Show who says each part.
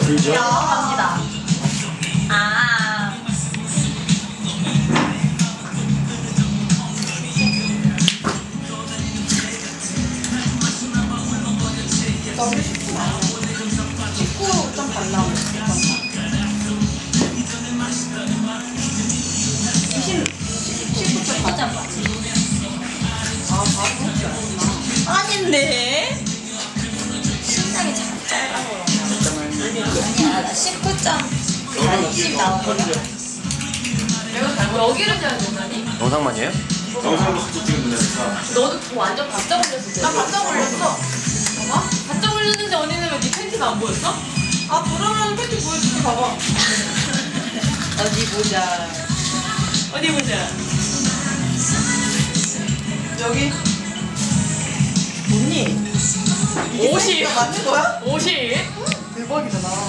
Speaker 1: 불죠?
Speaker 2: 갑니다. 아.
Speaker 3: 너무 쉽지 않아. 식구 좀 발라. 19점 맞아. 아, 바로
Speaker 2: 아닌데? 신장이 잘 짧아서 아니야, 나 19점 20 나오거든.
Speaker 4: 내가 잘못 여기를 재야 된다니?
Speaker 1: 영상만이에요?
Speaker 5: 영상도 같이 찍으면 되니까.
Speaker 4: 너도 그거 완전 바짝 올렸을 때.
Speaker 3: 나 바짝 올렸어.
Speaker 4: 봐봐. 바짝 올렸는데 언니는 왜 네 팬티가 안 보였어?
Speaker 3: 아, 그러면 팬티 보여줄게, 봐봐.
Speaker 2: 어디 보자.
Speaker 4: 어디 보자.
Speaker 3: 여기. 언니. 이게
Speaker 4: 50.
Speaker 3: 사이즈가 맞는 거야?
Speaker 4: 50.
Speaker 3: 대박이잖아.